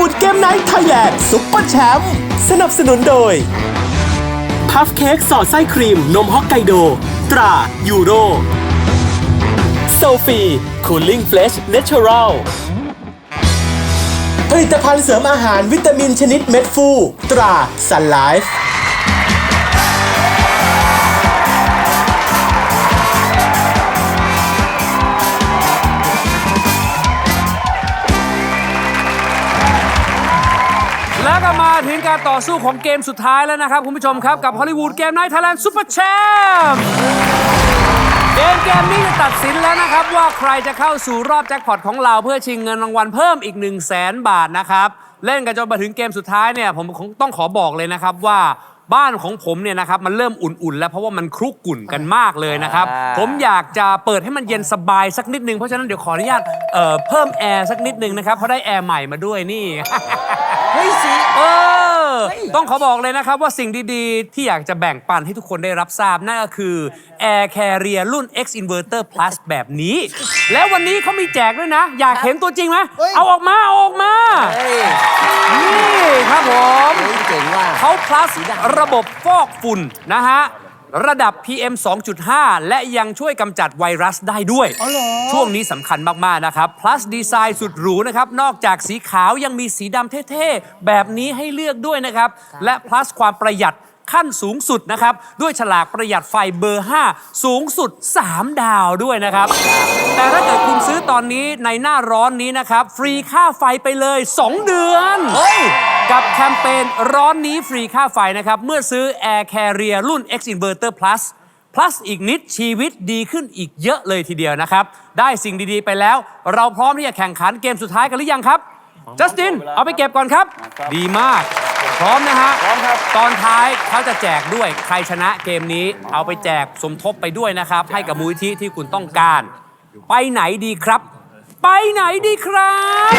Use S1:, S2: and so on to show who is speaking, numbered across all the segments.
S1: วูดเกมไนท์ไทยแลนด์ซุปเปอร์แชมป์สนับสนุนโดยพัฟเค้กสอดไส้ครีมนมฮอกไกโดตรายูโรโซฟีคูลิ่งเฟลชเนเชอรัลผลิตภัณฑ์เสริมอาหารวิตามินชนิดเม็ดฟูตราซันไลฟ์
S2: แล้วก็มาถึงการต่อสู้ของเกมสุดท้ายแล้วนะครับคุณผู้ชมครับกับฮอลลีวูดเกมไนท์ไทยแลนด์ซุปเปอร์แชมป์เกมนี้จะตัดสินแล้วนะครับว่าใครจะเข้าสู่รอบแจ็คพอตของเราเพื่อชิงเงินรางวัลเพิ่มอีก 100,000 บาทนะครับเล่นกันจนมาถึงเกมสุดท้ายเนี่ยผมต้องขอบอกเลยนะครับว่าบ้านของผมเนี่ยนะครับมันเริ่มอุ่นๆแล้วเพราะว่ามันคลุกกลุ่นกันมากเลยนะครับผมอยากจะเปิดให้มันเย็นสบายสักนิดนึงเพราะฉะนั้นเดี๋ยวขออนุญาตเพิ่มแอร์สักนิดนึงนะครับเพราะได้แอร์ใหม่มาด้วยนี่
S3: เฮ้ยสิ
S2: ต้องขอบอกเลยนะครับว่าสิ่งดีๆที่อยากจะแบ่งปันให้ทุกคนได้รับทราบนั่นก็คือ Air Carrier รุ่น X Inverter Plus แบบนี้ แล้ววันนี้เขามีแจกด้วยนะ อยากเห็นตัวจริงไหมเอาออกมานี่ครับผม
S3: เจ๋งว่ะ
S2: เขา plus ระบบฟอกฝุ่นนะฮะระดับ PM 2.5 และยังช่วยกำจัดไวรัสได้ด้วยช่วงนี้สำคัญมากๆนะครับ plus ดีไซน์สุดหรูนะครับนอกจากสีขาวยังมีสีดำเท่ๆแบบนี้ให้เลือกด้วยนะครับและ plus ความประหยัดขั้นสูงสุดนะครับด้วยฉลากประหยัดไฟเบอร์ 5 สูงสุด 3 ดาวด้วยนะครับแต่ถ้าเกิดคุณซื้อตอนนี้ในหน้าร้อนนี้นะครับฟรีค่าไฟไปเลย 2 เดือนกับแคมเปญร้อนนี้ฟรีค่าไฟนะครับเมื่อซื้อ Air Carrier รุ่น X Inverter Plus อีกนิดชีวิตดีขึ้นอีกเยอะเลยทีเดียวนะครับได้สิ่งดีๆไปแล้วเราพร้อมที่จะแข่งขันเกมสุดท้ายกันหรือยังครับจัสตินเอาไปเก็บก่อนครับดีมากพร้อมนะฮะพร้อมครับตอนท้ายเขาจะแจกด้วยใครชนะเกมนี้เอาไปแจกสมทบไปด้วยนะครับให้กับมูลนิธิที่คุณต้องการไปไหนดีครับไปไหนดีครับ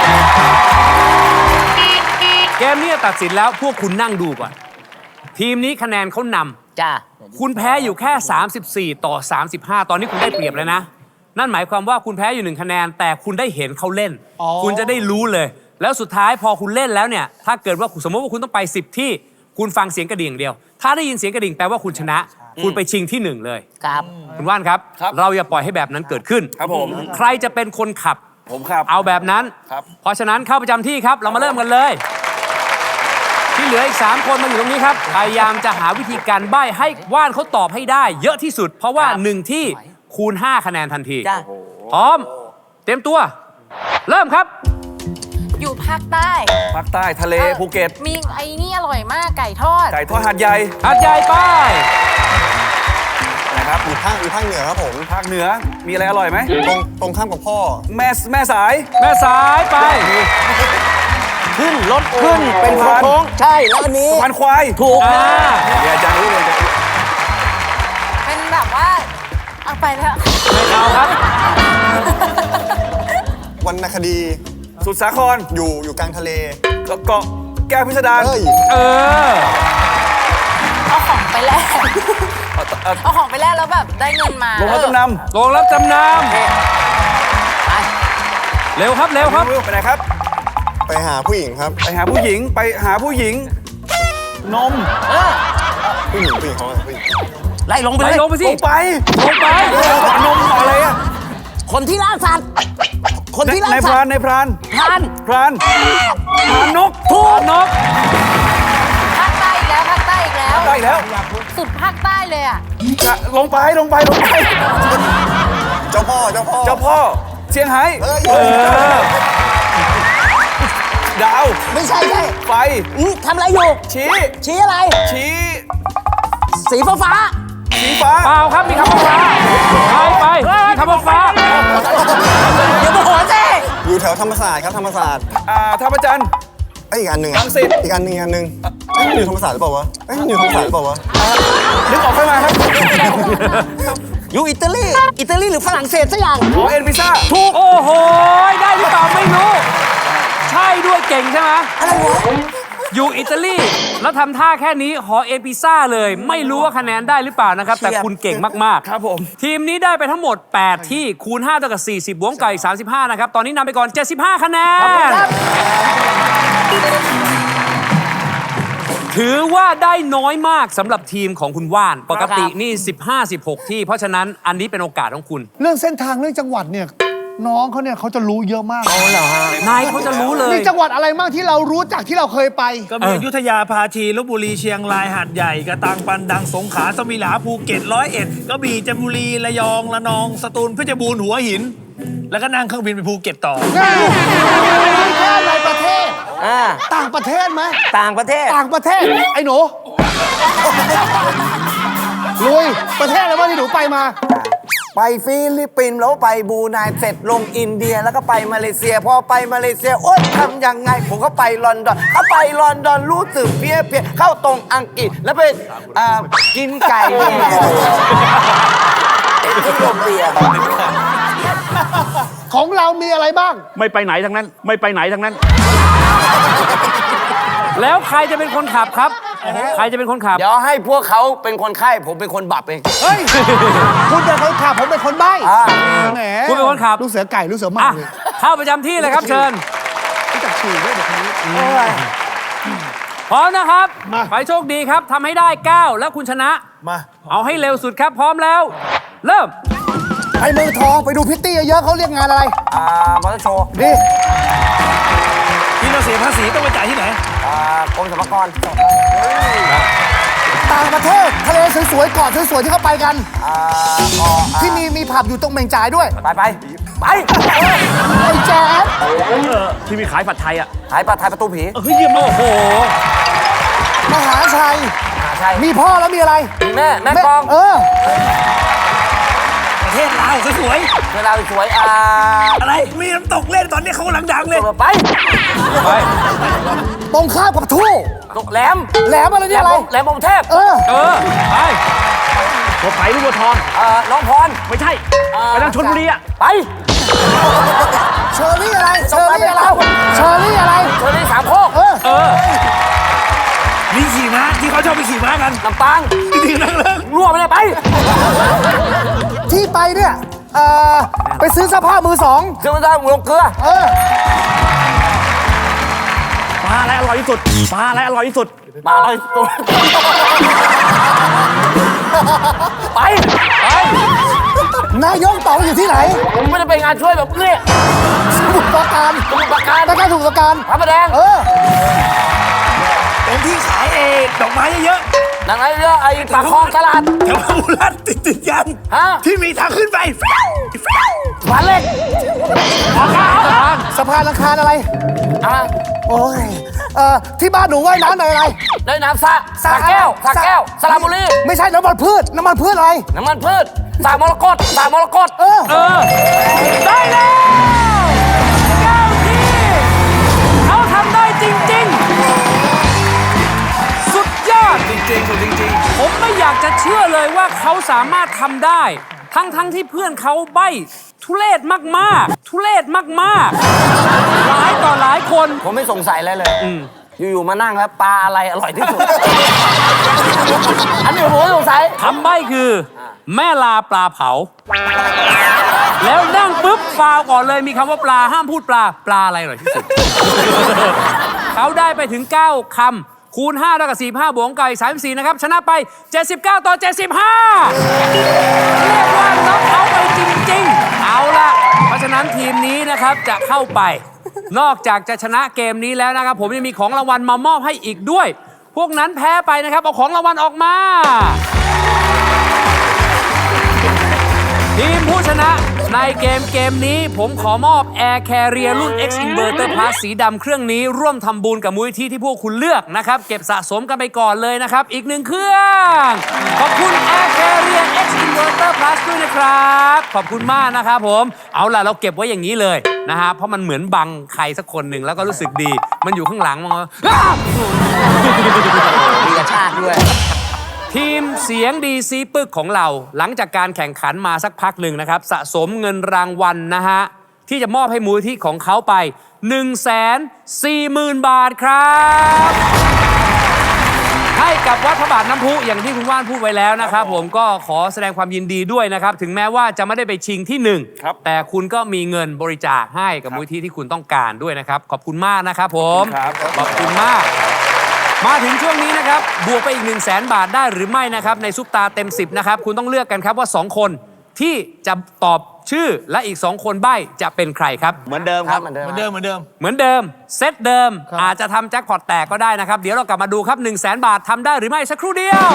S2: เกมนี้ตัดสินแล้วพวกคุณนั่งดูก่อนทีมนี้คะแนนเขานำ
S3: จ้า
S2: คุณแพ้อยู่แค่34 ต่อ 35ตอนนี้คุณได้เปรียบแล้วนะนั่นหมายความว่าคุณแพ้อยู่1คะแนนแต่คุณได้เห็นเขาเล่นคุณจะได้รู้เลยแล้วสุดท้ายพอคุณเล่นแล้วเนี่ยถ้าเกิดว่าสมมติว่าคุณต้องไป10ที่คุณฟังเสียงกระดิ่งอย่างเดียวถ้าได้ยินเสียงกระดิ่งแปลว่าคุณชนะคุณไปชิงที่1เลย
S3: ครับ
S2: คุณว่านครับเราอย่าปล่อยให้แบบนั้นเกิดขึ้น
S4: ครับผม
S2: ใครจะเป็นคนขับ
S4: ผมครับ
S2: เอาแบบนั้นเพราะฉะนั้นเข้าประจำที่ครับเรามาเริ่มกันเลยที่เหลืออีก3คนมาอยู่ตรงนี้ครับพยายามจะหาวิธีการใบ้ให้ว่านเขาตอบให้ได้เยอะที่สุดเพราะว่า1ที่คูณ5คะแนนทันทีพร้อมเตรียมตัวเริ่มครับ
S5: อยู่ภาคใต้
S4: ภาคใต้ทะเลภูเก็ต
S5: มีไอ้นี่อร่อยมากไก่ทอด
S4: หาดใหญ่
S2: ป้าย
S4: นะครับ
S6: อยู่ภาคเหนือครับผม
S4: ภาคเหนือมีอะไรอร่อยไหม
S6: ตรงข้ามกับพ่อ
S4: แม่สาย
S2: ไป
S3: ขึ้นรถขึ้นเป็นโค้งใช่แล้วอันนี้
S4: สะพานควาย
S3: ถูกนะ
S4: เดี๋ยวอาจารย์รู้เลย
S5: เป็นแบบว่าเอาไปแล้ว
S2: ไม่เอาครับ
S6: วรรณคดี
S4: สุดสาคร
S6: อยู่กลางทะเล
S4: เกาะแก้วพิสดาร
S5: เอาของไปแลกเอาของไปแลกแล้วแบบได้เงินมา
S4: โรงรับจำนำ
S2: เร็วครับ
S4: ไปไหนครับ
S6: ไปหาผู้หญิงครับ
S4: ไปหาผู้หญิงนม
S6: ผู้หญิงเขาผู้หญิง
S3: ไล่ลงไป
S2: สิ
S4: ลงไปนมอะไรอะ
S3: คนที่ล่าสัตว์
S4: ในพรานนก
S2: ถูกนก
S5: ภาคใต้อีกแล้วสุดภาคใต้เลยอ่ะ
S4: ลงไป
S6: เจ้าพ่อ
S4: เชียงไฮ้ดาว
S3: ไม่ใช่
S4: ไฟ
S3: ทำอะไรอยู่ชี้อะไรสีฟ้า
S2: เปล่าครับมีคำว่าฟ้าไปมีคำว่าฟ้า
S3: เดี๋ยวมาหัวเจ้
S6: อยู่แถวธรรมศาสตร์ครับธรรมศาสตร์
S4: ท่าพระจันทร์
S6: อีกอันหนึ่ง
S4: รังสิต
S6: อีกอันหนึ่งอยู่ธรรมศาสตร์หรือเปล่าวะอยู่ธรรมศาสตร์หรือเปล่าวะ
S4: นึกออกขึ้นมาครับ
S3: อยู่อิตาลีหรือฝรั่งเศสสักอย่าง
S4: เอ็นพิซซ่า
S2: ถูกโอ้โหได้หรือเปล่าไม่รู้ใช่ด้วยเก่งใช่ไหม
S3: อะไรวะ
S2: อยู่อิตาลีแล้วทำท่าแค่นี้หอเอพิซ่าเลยไม่รู้ว่าคะแนนได้หรือเปล่านะครับแต่คุณเก่งมากๆครับผมทีมนี้ได้ไปทั้งหมด8ที่คูณ5เท่ากับ40บวกไก่35นะครับตอนนี้นำไปก่อน75คะแนนถือว่าได้น้อยมากสำหรับทีมของคุณว่านปกตินี่15-16ที่เพราะฉะนั้นอันนี้เป็นโอกาสของคุณ
S7: เรื่องเส้นทางเรื่องจังหวัดเนี่ยน้องเขาเนี่ยเขาจะรู้เยอะมาก
S2: นายเขาจะรู้เลย
S7: มีจังหวัดอะไรบ้างที่เรารู้จักที่เราเคยไป
S3: ก็มีอยุธยาพาชีลพบุรีเชียงรายหาดใหญ่กระตังปันดังสงขลาสมิลาภูเก็ต101ก็มีจันทบุรีระยองระนองสตูลเพชรบูรณ์หัวหิน แล้วก็นั่งเครื่องบินไปภูเก็ตต่อ
S7: แค่ในประเทศต่างประเทศไหม
S3: ต่างประเทศ
S7: ต่างประเทศไอ้หนูลุยประเทศอะไรบ้างที่หนูไปมา
S8: ไปฟิลิปปินส์แล้วไปบรูไนเสร็จลงอินเดียแล้วก็ไปมาเลเซียพอไปมาเลเซียโอ๊ยทำยังไงผมก็ไปลอนดอนไปลอนดอนรู้สึกเพี้ยเข้าตรงอังกฤษแล้วไปกินไก่ที่โรงเบียร์
S7: ของเรามีอะไรบ้าง
S4: ไม่ไปไหนทั้งนั้น ไม่ไปไหนทั้งนั้น
S2: แล้วใครจะเป็นคนขับครับ ใครจะเป็นคนขับ
S8: เดี๋ยวให้พวกเขาเป็นคนไข้ผมเป็นคนบับเอง
S7: เฮ้ย คุณเป็นคนขับผมเป็นคนใบ้แหม
S2: คุณเป็นคนขับ
S7: ลูกเสือไก่ลูกเสือหมา
S2: อ่ะ
S7: เลย
S2: เข้าประจำที่เลยครับเชิญ
S7: รู้จักฉี่ด้วยเด็กคนนี้
S2: พร้อมนะครับไปโชคดีครับทำให้ได้ 9 แล้วคุณชนะ
S6: มา
S2: เอาให้เร็วสุดครับพร้อมแล้ว เริ่ม
S7: ไปเมืองทองไปดูพิตตี้เยอะๆเขาเรียกงานอะไร
S8: มอเตอร์โชว์
S7: ดิ
S3: ที่เราเสียภาษีต้องไปจ่ายที่ไหน
S8: กรมสรรพากร
S7: ต่างประเทศทะเลสวยๆเกาะสวยๆที่เขาไปกันที่มีผับอยู่ตรงเมงจ่ายด้วย
S8: ไป
S7: ไอ้แจ๊ด
S4: ที่มีขายผัดไทยอ่ะ
S8: หายปลาไทยประตูผี
S2: เฮ้ยเยี่ยมโอ้โห
S7: มหาชัย
S8: ใช่
S7: มีพ่อแล้วมีอะไร
S8: แม่กอง
S3: ประเทศลาวสวย
S8: เวลาสวย
S3: ๆอะไร มีน้ำตกเล่นตอนนี้เขากำลังดังเลย
S8: ไป
S7: ตรงข้ามกับทู่
S8: ตกแหลม
S7: แหลมอะไรเนี่ยอะไร
S8: แหลมพรหมเทพ
S2: เออไป
S4: บัวไผ่หรือบัวทอง
S8: น้องพร
S4: ไม่ใช่ ไปทางชลบุรีอ่ะ
S8: ไป
S7: เชอรี่อะไรเชอรี่อะไรเชอรี่อะไร
S8: เชอรี่สามโคก
S3: มีขี่ม้าที่เขาชอบไปขี่ม้ากัน
S8: ลำปาง
S3: จริงๆนั่งเลิก
S8: รั่วไปเลยไป
S7: ที่ไปเนี่ยไปซื้อเสื้อผ้ามือสอง
S8: เชื่อมันได้หมูลงเกลือ
S4: ปลาอะไรอร่อยที่สุด ปลาอะไรอร่อยที่สุด
S8: มาเลยตัวไป
S7: นายกต่ออยู่ที่ไหน
S8: ผมไม่ได้ไปงานช่วยแบบนี้
S7: สมุทรปราการ
S8: สมุทรปราการ
S7: ได้การสมุทรปราการ
S8: พระประแดง
S3: เป็นที่ขายดอกไม้เยอะ
S8: ดังนั้นเรื่องไอ้ปากคลองตลาด
S3: ๆแถวพระบุรัตติดยัน
S8: ฮะ
S3: ที่มีทางขึ้นไป
S8: หวานเล็ก
S7: สะพานลังคารอะไร โอ้ยที่บ้านหนูว่ายน้ำในอะไร
S8: ได้น้ำสระแก้วสระบุรี
S7: ไม่ใช่น้ำมันพืชอะไร
S8: น้ำมันพืชสระมรกต
S2: ได้แล้ว9ที่เขาทำได้จริงๆ สุดยอด
S3: จริง
S2: ผมไม่อยากจะเชื่อเลยว่าเขาสามารถทำได้ ทั้งที่เพื่อนเขาใบ้ทุเรศมากๆ หลายต่อหลายคน
S8: ผมไม่สงสัยอะไรเลยอยู่ๆมานั่งแล้วปลาอะไรอร่อยที่สุด อันนี้ผมไม่สงสัย
S2: คำใบ้คือ แม่ลาปลาเผา แล้วนั่งปุ๊บฟาวก่อนเลยมีคำว่าปลาห้ามพูดปลาอะไรอร่อยที่สุด เขาได้ไปถึง 9 คำคูณ5เท่ากับ45บวกไก่34นะครับชนะไป79 ต่อ 75 เรียกว่าน็อกเอาท์ไปจริงๆ เอาล่ะ เพราะฉะนั้นทีมนี้นะครับจะเข้าไป นอกจากจะชนะเกมนี้แล้วนะครับผมยังมีของรางวัลมามอบให้อีกด้วย พวกนั้นแพ้ไปนะครับเอาของรางวัลออกมา ทีมผู้ชนะในเกมนี้ผมขอมอบ Air Carrier รุ่น X Inverter Plus สีดำเครื่องนี้ร่วมทำบุญกับมูลนิธิที่พวกคุณเลือกนะครับเก็บสะสมกันไปก่อนเลยนะครับอีก1เครื่องขอบคุณ Air Carrier X Inverter Plus ด้วยนะครับขอบคุณมากนะครับผมเอาล่ะเราเก็บไว้อย่างนี้เลยนะฮะเพราะมันเหมือนบังใครสักคนหนึ่งแล้วก็รู้สึกดีมันอยู่ข้างหลังมัน
S8: มีกระชากด้วย
S2: ทีมเสียงดีซีปึกของเราหลังจากการแข่งขันมาสักพักหนึ่งนะครับสะสมเงินรางวัลนะฮะที่จะมอบให้มูลที่ของเขาไป 140,000 บาทครับให้กับวัดพระบาทน้ำพุอย่างที่คุณว่านพูดไว้แล้วนะครับผมก็ขอแสดงความยินดีด้วยนะครับ ถึงแม้ว่าจะไม่ได้ไปชิงที่ 1 แต่คุณก็มีเงินบริจาคให้กับมูลที่ที่คุณต้องการด้วยนะครับ ขอบคุณมากนะครับผมขอบคุณมาก มาถึงช่วงนี้นะครับบวกไปอีก 100,000 บาทได้หรือไม่นะครับในซุปตาเต็ม 10นะครับคุณต้องเลือกกันครับว่า 2 คนที่จะตอบชื่อและอีก 2 คนใบ้จะเป็นใครครับ
S4: เหมือนเดิมครับ
S3: เหมือนเดิม
S2: เซตเดิมอาจจะทำแจ็คพอตแตกก็ได้นะครับ เดี๋ยวเรากลับมาดูครับ 100,000 บาททำได้หรือไม่สักครู่เดียว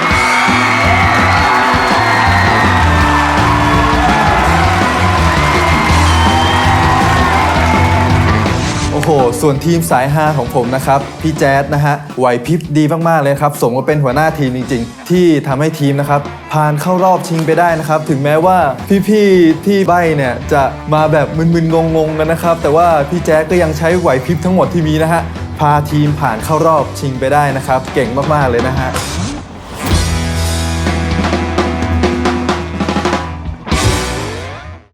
S9: โอ้โห ส่วนทีมสายฮาของผมนะครับ พี่แจ๊ดนะฮะ ไหวพริบดีมากๆเลยครับ สมกับเป็นหัวหน้าทีมจริงๆ ที่ทำให้ทีมนะครับ ผ่านเข้ารอบชิงไปได้นะครับ ถึงแม้ว่าพี่ๆที่ใบ้เนี่ยจะมาแบบมึนๆงงๆกันนะครับ แต่ว่าพี่แจ๊ดก็ยังใช้ไหวพริบทั้งหมดที่มีนะฮะ พาทีมผ่านเข้ารอบชิงไปได้นะครับ เก่งมากๆเลยนะฮะ